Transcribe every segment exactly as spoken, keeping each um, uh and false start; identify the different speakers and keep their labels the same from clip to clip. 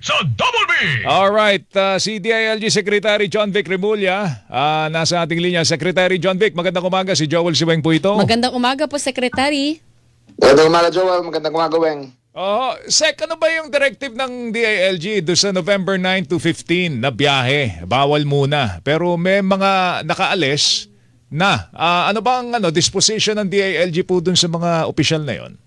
Speaker 1: sa Double B.
Speaker 2: Alright, uh, si D I L G Secretary John Vic Remulla, uh, nasa ating linya. Secretary John Vic, magandang umaga. Si Joel Siweng po ito.
Speaker 3: Magandang umaga po, Secretary.
Speaker 4: Magandang umaga, Joel. Magandang umaga, Weng.
Speaker 2: Oh, Sec, ano ba yung directive ng D I L G do sa November nine to fifteen na biyahe? Bawal muna. Pero may mga nakaalis na. Uh, ano bang ano, disposition ng D I L G po dun sa mga opisyal na yon?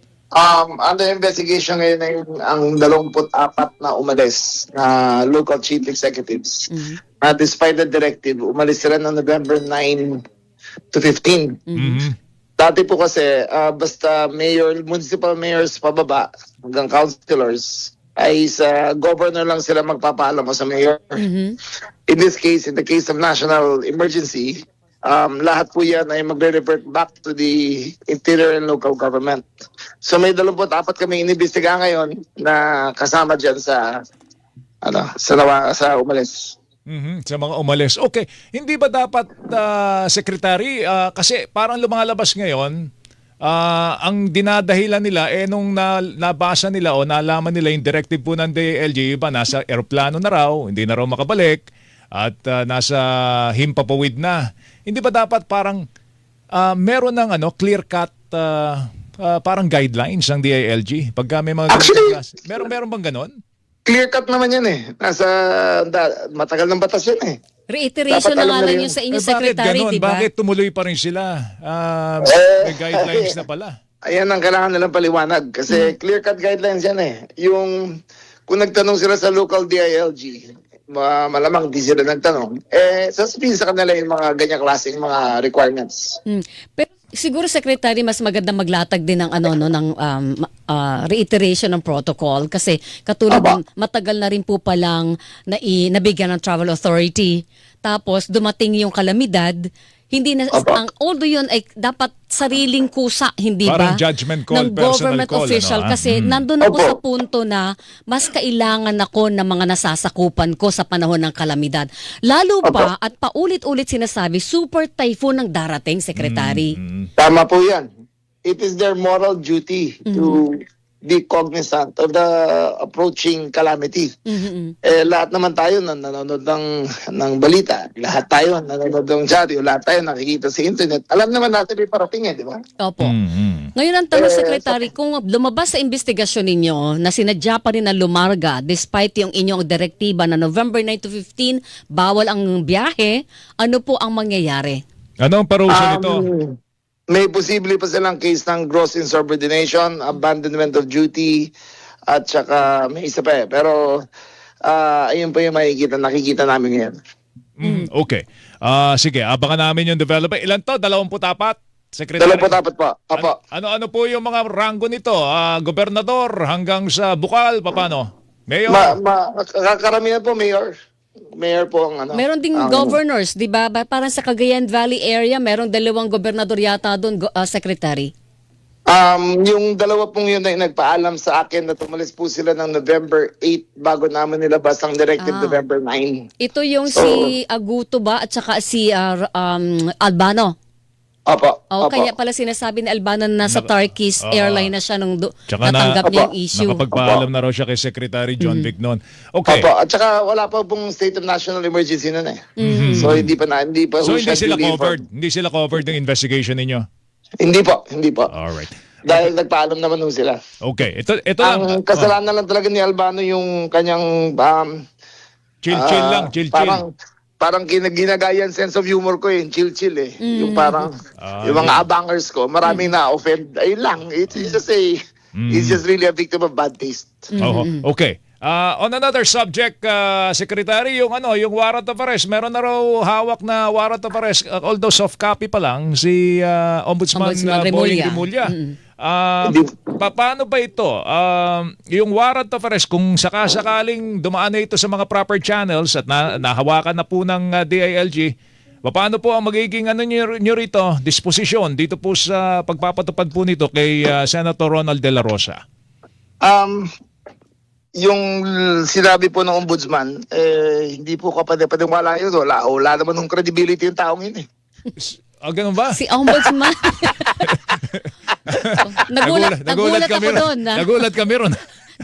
Speaker 4: Um, under investigation ngayon ay ang dalawampu't apat na umalis na local chief executives.
Speaker 3: Mm-hmm.
Speaker 4: Na despite the directive, umalis sila ng November nine to fifteen.
Speaker 2: Mm-hmm.
Speaker 4: Dati po kasi, uh, basta mayor, municipal mayors pababa hanggang councilors, ay sa governor lang sila magpapaalam o sa mayor.
Speaker 3: Mm-hmm.
Speaker 4: In this case, in the case of national emergency, um, lahat po yan ay magre-revert back to the interior and local government. So may dalawamput apat kami inibestiga ngayon na kasama dyan sa, ano, sa, nawa, sa umalis.
Speaker 2: Mm-hmm. Sa mga umalis. Okay, hindi ba dapat, uh, Secretary, uh, kasi parang lumalabas ngayon, uh, ang dinadahilan nila, eh nung na, nabasa nila o nalaman nila yung directive po ng D I L G, iba nasa eroplano na raw, hindi na raw makabalik, at uh, nasa himpapawid na. Hindi ba dapat parang uh, meron ng ano, clear-cut uh, uh, parang guidelines ang D I L G? Pagka may mga
Speaker 4: Actually,
Speaker 2: ganito, meron, meron bang ganon?
Speaker 4: Clear cut naman yan eh. Nasa, da, matagal ng batas yan eh.
Speaker 3: Reiteration
Speaker 4: Dapat
Speaker 3: na
Speaker 4: alam
Speaker 3: nga
Speaker 4: na
Speaker 3: lang
Speaker 4: rin.
Speaker 3: yun sa inyo,
Speaker 2: Eh, bakit
Speaker 3: Secretary,
Speaker 2: ganon?
Speaker 3: di ba?
Speaker 2: Bakit tumuloy pa rin sila? Uh,
Speaker 4: Eh,
Speaker 2: may guidelines na pala.
Speaker 4: Ayan ang kailangan nilang paliwanag. Kasi clear-cut guidelines yan eh. Yung, kung nagtanong sila sa local D I L G, ma malamang di sila nagtanong, eh, sasabihin sa kanila yung mga ganyang klaseng mga requirements.
Speaker 3: Hmm. Pero siguro, Secretary, mas maganda maglatag din ng ano no ng um, uh, reiteration ng protocol kasi katulad
Speaker 4: Aba.
Speaker 3: ng matagal na rin po palang na nabigyan ng travel authority, tapos dumating yung kalamidad, hindi na
Speaker 4: Aba.
Speaker 3: ang although yun ay dapat sariling kusa, hindi
Speaker 2: Parang
Speaker 3: ba?
Speaker 2: judgment call,
Speaker 3: ng
Speaker 2: personal
Speaker 3: government
Speaker 2: call,
Speaker 3: official
Speaker 2: ano, ah?
Speaker 3: kasi
Speaker 2: Mm.
Speaker 3: nandun ako
Speaker 4: Opo.
Speaker 3: sa punto na mas kailangan ako ng mga nasasakupan ko sa panahon ng kalamidad. Lalo pa at paulit-ulit sinasabi, super typhoon ang darating, Secretary.
Speaker 4: Tama po yan. It is their moral duty to be cognizant of the approaching calamity.
Speaker 3: Mhm.
Speaker 4: Eh, lahat naman tayo na nanonood ng, ng balita. Lahat tayo nanonood ng dyaryo. Lahat tayo nakikita sa internet. Alam naman natin may parating eh, di ba?
Speaker 3: Opo.
Speaker 2: Mm-hmm.
Speaker 3: Ngayon ang tanong,
Speaker 4: Eh,
Speaker 3: Secretary, kung lumabas sa investigasyon ninyo na sinadya pa rin na lumarga despite yung inyong direktiba na November nine to fifteen, bawal ang biyahe, ano po ang mangyayari?
Speaker 2: Ano ang parusa nito?
Speaker 4: Um, may posible pa silang case ng gross insubordination, abandonment of duty, at saka may isa pa eh. Pero uh, ayun po yung makikita, nakikita namin ngayon.
Speaker 2: Mm, okay. Ah, sige, abangan namin yung development. Ilan to? Dalawamput apat? Secretary?
Speaker 4: Dalawa po dapat po. Apo.
Speaker 2: An- ano-ano po yung mga ranggo nito? Ah, gobernador hanggang sa bukal, paano? Mayor?
Speaker 4: Ma, ma, karamihan po, Mayor. Mayor po ang ano.
Speaker 3: Meron ding
Speaker 4: ang-
Speaker 3: governors, di ba? Ba- Parang sa Cagayan Valley area, merong dalawang gobernador yata doon, go- uh, Secretary.
Speaker 4: Um, yung dalawa pong yun ay nagpaalam sa akin na tumalis po sila ng November eight bago naman nilabas ang directive
Speaker 3: Ah.
Speaker 4: November nine.
Speaker 3: Ito yung
Speaker 4: So-
Speaker 3: si Aguto ba at saka si uh, um, Albano.
Speaker 4: Opo.
Speaker 3: O,
Speaker 4: opo.
Speaker 3: kaya pala sinasabi ni Albano na nasa Turkish
Speaker 2: Oo.
Speaker 3: Airline na siya nung do-
Speaker 2: Tsaka na-
Speaker 3: natanggap niya yung
Speaker 4: Opo.
Speaker 3: issue.
Speaker 2: Nakapagpaalam na raw siya kay Secretary John Vic noon. Okay.
Speaker 4: Opo. At saka wala pa pong state of national emergency nun eh. So hindi pa na, hindi pa
Speaker 2: So
Speaker 4: ho
Speaker 2: hindi
Speaker 4: siya
Speaker 2: sila
Speaker 4: duly
Speaker 2: covered?
Speaker 4: informed.
Speaker 2: Hindi sila covered ng investigation ninyo?
Speaker 4: Hindi po, hindi po.
Speaker 2: Alright.
Speaker 4: Dahil nagpaalam naman ho sila.
Speaker 2: Okay. Ito, ito lang.
Speaker 4: Ang kasalanan lang talaga ni Albano yung kanyang um,
Speaker 2: Chill-chill
Speaker 4: ah,
Speaker 2: lang. Chill-chill.
Speaker 4: Parang parang gina- ginagaya yung sense of humor ko eh, chill-chill eh. Yung parang
Speaker 2: Ah,
Speaker 4: yung mga abangers ko, maraming na-offend. Ayun lang. It's, it's just a it's just really a victim of bad taste.
Speaker 2: Oo. Okay. Ah, on another subject, ah, Secretary, yung ano, yung warrant of arrest, meron na raw hawak na warrant of arrest, ah, although soft copy pa lang, si ah, Ombudsman,
Speaker 3: Ombudsman
Speaker 2: ah, Boying
Speaker 3: Remulla.
Speaker 2: Remulla. Ah, pa- paano ba ito? Um, yung warrant of arrest, kung sakasakaling dumaan na ito sa mga proper channels at na, nahawakan na po ng ah, D I L G, paano po ang magiging ano nyo, nyo rito, disposisyon dito po sa pagpapatupad po nito kay ah, Senator Ronald De La Rosa?
Speaker 4: Um, yung sinabi po ng ombudsman, eh, hindi po kapade-padeng wala yun. Wala, wala naman ng credibility yung taong yun eh.
Speaker 2: Ah, ganun ba?
Speaker 3: Si Ombudsman. nagulat, nagulat,
Speaker 2: nagulat
Speaker 3: ako
Speaker 2: kami ron.
Speaker 3: doon. Na.
Speaker 2: Nagulat kami ron.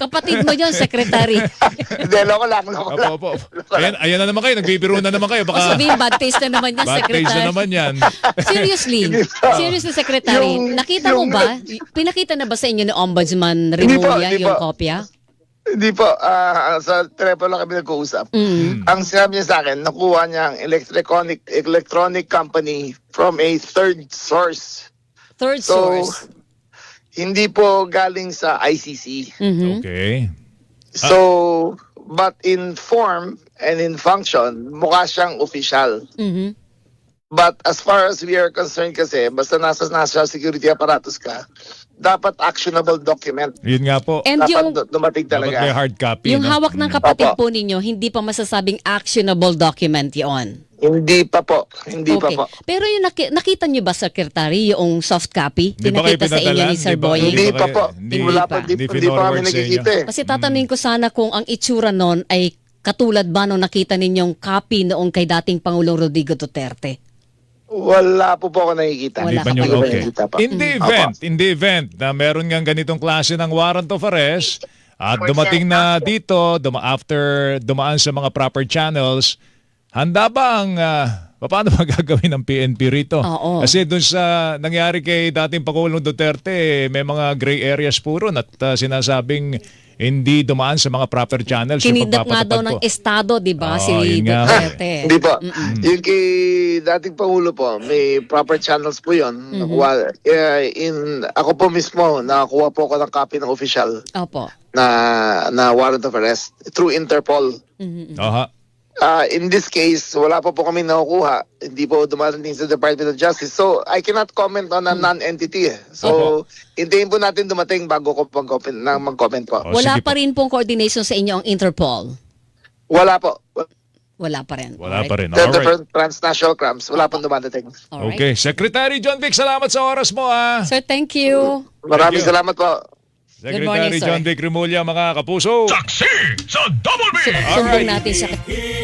Speaker 3: Kapatid mo yun, Secretary.
Speaker 4: Hindi, loko lang, loko lang.
Speaker 2: Opo, opo. Ayan, ayan na naman kayo, nagbibiro na naman kayo.
Speaker 3: O
Speaker 2: Baka
Speaker 3: sabihin, bad taste na naman yan,
Speaker 2: bad
Speaker 3: Secretary.
Speaker 2: taste na naman yan.
Speaker 3: Seriously, seriously, Secretary,
Speaker 4: Yung-
Speaker 3: nakita mo
Speaker 4: yung-
Speaker 3: ba? Pinakita na ba sa inyo ni Ombudsman
Speaker 4: Hindi po,
Speaker 3: Remulla
Speaker 4: hindi
Speaker 3: yung
Speaker 4: po.
Speaker 3: kopya?
Speaker 4: Hindi po, ah, sa telepono lang kami nag-uusap.
Speaker 3: Mm.
Speaker 4: Ang sinabi niya sa akin, nakuha niya ang electronic, electronic company from a third source.
Speaker 3: Third
Speaker 4: So,
Speaker 3: source.
Speaker 4: hindi po galing sa I C C.
Speaker 3: Mhm.
Speaker 2: Okay.
Speaker 4: So, but in form and in function, mukha siyang official.
Speaker 3: Mhm.
Speaker 4: But as far as we are concerned kasi, basta nasa national security apparatus ka, dapat actionable document.
Speaker 2: Yun nga po.
Speaker 3: And
Speaker 4: Dapat
Speaker 3: yung,
Speaker 4: du- dumating
Speaker 2: Dapat
Speaker 4: talaga.
Speaker 2: may hard copy.
Speaker 3: yung
Speaker 2: no?
Speaker 3: hawak ng
Speaker 2: Mm.
Speaker 3: kapatid
Speaker 4: Opo.
Speaker 3: po ninyo, hindi pa masasabing actionable document yon.
Speaker 4: Hindi pa po. Hindi
Speaker 3: Okay.
Speaker 4: pa po.
Speaker 3: Pero yung naki- nakita nyo ba, Secretary, yung soft copy?
Speaker 2: Hindi ba kayo
Speaker 3: Pinakita sa inyo
Speaker 2: pinadala?
Speaker 3: ni Sir
Speaker 2: Hindi ba-
Speaker 3: Boy?
Speaker 4: Hindi
Speaker 2: ba
Speaker 4: pa
Speaker 2: kayo-
Speaker 4: po.
Speaker 2: Hindi,
Speaker 4: Wala pa.
Speaker 2: hindi
Speaker 4: Hindi, hindi pa kami
Speaker 2: pinorward sa
Speaker 4: nakikita
Speaker 2: inyo.
Speaker 4: eh.
Speaker 3: Kasi tatanungin ko sana kung ang itsura nun ay katulad ba nung nakita ninyong copy noong kay dating Pangulong Rodrigo Duterte.
Speaker 4: Wala po po ako nakikita.
Speaker 3: Wala
Speaker 2: Hindi pa nyo,
Speaker 3: ka pa
Speaker 2: okay.
Speaker 4: nakikita pa.
Speaker 2: In the
Speaker 4: Mm.
Speaker 2: event, in the event na meron nga ganitong klase ng warrant of arrest at dumating na dito, duma after dumaan sa mga proper channels, handa ba ang ah, paano ba gagawin ng P N P rito?
Speaker 3: Oo.
Speaker 2: Kasi dun sa nangyari kay dating Pangulong Duterte, may mga gray areas po ron at ah, sinasabing hindi dumaan sa mga proper channels yung
Speaker 3: Kinidnap nga daw
Speaker 2: pagpapatupad
Speaker 3: ng
Speaker 2: po.
Speaker 3: Estado, di ba,
Speaker 2: Oo,
Speaker 3: si
Speaker 2: yun nga.
Speaker 3: Duterte.
Speaker 4: Hindi po.
Speaker 2: Mm.
Speaker 4: Yung kay dating Pangulo po, may proper channels po yun.
Speaker 3: Mm-hmm.
Speaker 4: Nakuha, eh, in, ako po mismo, nakakuha po ako ng copy ng official
Speaker 3: Opo.
Speaker 4: na na warrant of arrest through Interpol.
Speaker 3: Mhm.
Speaker 2: Aha.
Speaker 4: Uh, in this case, wala pa po kami nakukuha. Hindi po dumarating sa Department of Justice. So, I cannot comment on a non-entity. eh. So, hintayin po natin dumating bago ko mag-comment, na mag-comment po.
Speaker 2: Oh,
Speaker 3: Wala
Speaker 2: sige
Speaker 3: pa
Speaker 2: po.
Speaker 3: rin pong coordination sa inyo ang Interpol.
Speaker 4: Wala po.
Speaker 3: Wala pa rin.
Speaker 2: Wala
Speaker 3: Alright.
Speaker 2: pa rin.
Speaker 4: The, the
Speaker 2: Alright.
Speaker 4: transnational crimes, wala pong dumadating.
Speaker 3: Alright.
Speaker 2: Okay. Secretary John Vic, salamat sa oras mo ah.
Speaker 3: Sir, thank you.
Speaker 4: Maraming
Speaker 2: you.
Speaker 4: salamat po.
Speaker 2: Secretary
Speaker 3: morning, sir.
Speaker 2: John Vic Remulla, mga kapuso.
Speaker 1: Saksi sa Double B!
Speaker 3: Sumbong natin siya.